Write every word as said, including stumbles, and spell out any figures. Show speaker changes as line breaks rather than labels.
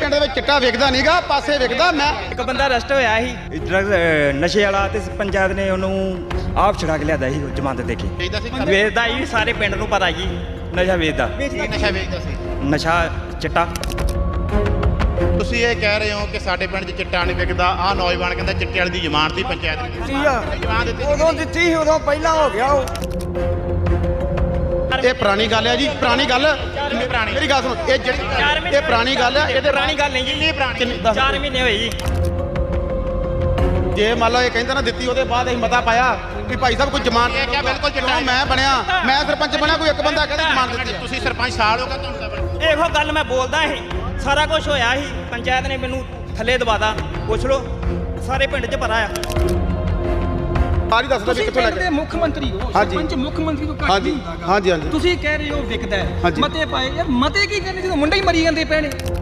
ਪਿੰਡ ਦੇ ਵਿੱਚ ਚਿੱਟਾ ਵਿਕਦਾ ਨਹੀਂਗਾ, ਪਾਸੇ ਵਿਕਦਾ। ਮੈਂ
ਇੱਕ ਬੰਦਾ ਅਰੈਸਟ ਹੋਇਆ ਸੀ ਡਰੱਗ ਨਸ਼ੇ ਵਾਲਾ, ਤੇ ਪੰਚਾਇਤ ਨੇ ਉਹਨੂੰ ਆਪ ਛੁਡਾ ਕੇ ਲਿਆਦਾ ਸੀ ਜ਼ਮਾਨਤ ਦੇ ਕੇ। ਵੇਚਦਾ ਹੀ ਸਾਰੇ ਪਿੰਡ ਨੂੰ ਪਤਾ ਜੀ, ਨਸ਼ਾ ਵੇਚਦਾ।
ਨਸ਼ਾ ਵੇਚਦਾ ਸੀ,
ਨਸ਼ਾ ਚਿੱਟਾ।
ਤੁਸੀਂ ਇਹ ਕਹਿ ਰਹੇ ਹੋ ਕਿ ਸਾਡੇ ਪਿੰਡ 'ਚ ਚਿੱਟਾ ਨਹੀਂ ਵਿਕਦਾ। ਆਹ ਨੌਜਵਾਨ ਕਹਿੰਦਾ ਚਿੱਟੇ ਵਾਲੀ ਦੀ ਜ਼ਮਾਨਤ ਦੀ ਪੰਚਾਇਤ ਨੇ ਜ਼ਮਾਨਤ ਦਿੱਤੀ।
ਉਦੋਂ ਦਿੱਤੀ ਸੀ, ਉਦੋਂ ਪਹਿਲਾਂ ਹੋ ਗਿਆ ਉਹ।
ਇਹ ਪੁਰਾਣੀ ਗੱਲ ਹੈ ਜੀ, ਪੁਰਾਣੀ ਗੱਲ।
ਪੁਰਾਣੀ
ਮੇਰੀ ਗੱਲ ਸੁਣੋ, ਇਹ ਜਿਹੜੀ ਇਹ ਪੁਰਾਣੀ ਗੱਲ ਹੈ, ਇਹਦੇ
ਪੁਰਾਣੀ ਗੱਲ ਨਹੀਂ ਜੀ,
ਕਿੰਨੀ ਪੁਰਾਣੀ?
ਚਾਰ ਮਹੀਨੇ ਹੋਏ ਜੀ।
ਜੇ ਮੰਨ ਲਓ ਇਹ ਕਹਿੰਦਾ ਨਾ ਦਿੱਤੀ, ਉਹਦੇ ਬਾਅਦ ਅਸੀਂ ਮਤਾ ਪਾਇਆ ਕਿ ਭਾਈ ਸਾਹਿਬ ਕੋਈ ਜ਼ਮਾਨਤ
ਇਹ ਕਿਹਾ ਬਿਲਕੁਲ ਚਿੱਟਾ
ਕਿਉਂ ਮੈਂ ਬਣਿਆ, ਮੈਂ ਸਰਪੰਚ ਬਣਿਆ, ਕੋਈ ਇੱਕ ਬੰਦਾ ਕਹਿੰਦਾ ਜ਼ਮਾਨਤ ਦਿੱਤੀ।
ਤੁਸੀਂ ਸਰਪੰਚ ਸਾਲ ਹੋ ਗਿਆ ਤੁਹਾਨੂੰ?
ਇਹੋ ਗੱਲ ਮੈਂ ਬੋਲਦਾ ਸੀ, ਸਾਰਾ ਕੁਝ ਹੋਇਆ ਸੀ, ਪੰਚਾਇਤ ਨੇ ਮੈਨੂੰ ਥੱਲੇ ਦਵਾਦਾ। ਪੁੱਛ ਲਓ, ਸਾਰੇ ਪਿੰਡ 'ਚ ਪਤਾ ਆ।
ਸਾਰੀ ਦੱਸਦਾ ਵੀ ਕਿੱਥੋਂ ਲੈ
ਪਿੰਡ
ਕੇ
ਦੇ ਮੁੱਖ ਮੰਤਰੀ ਹੋ,
ਹਾਂਜੀ।
ਸਰਪੰਚ ਮੁੱਖ ਮੰਤਰੀ ਤੋਂ ਘੱਟ
ਹਾਂਜੀ
ਨਹੀਂ ਹੁੰਦਾਗਾ।
ਹਾਂਜੀ ਹਾਂਜੀ
ਤੁਸੀਂ ਕਹਿ ਰਹੇ ਹੋ ਵਿਕਦਾ ਹੈ,
ਹਾਂਜੀ।
ਮਤੇ ਪਾਏ। ਯਾਰ ਮਤੇ ਕੀ ਕਰਨੇ ਜਦੋਂ ਮੁੰਡੇ ਹੀ ਮਰੀ ਜਾਂਦੇ ਪਏ ਨੇ।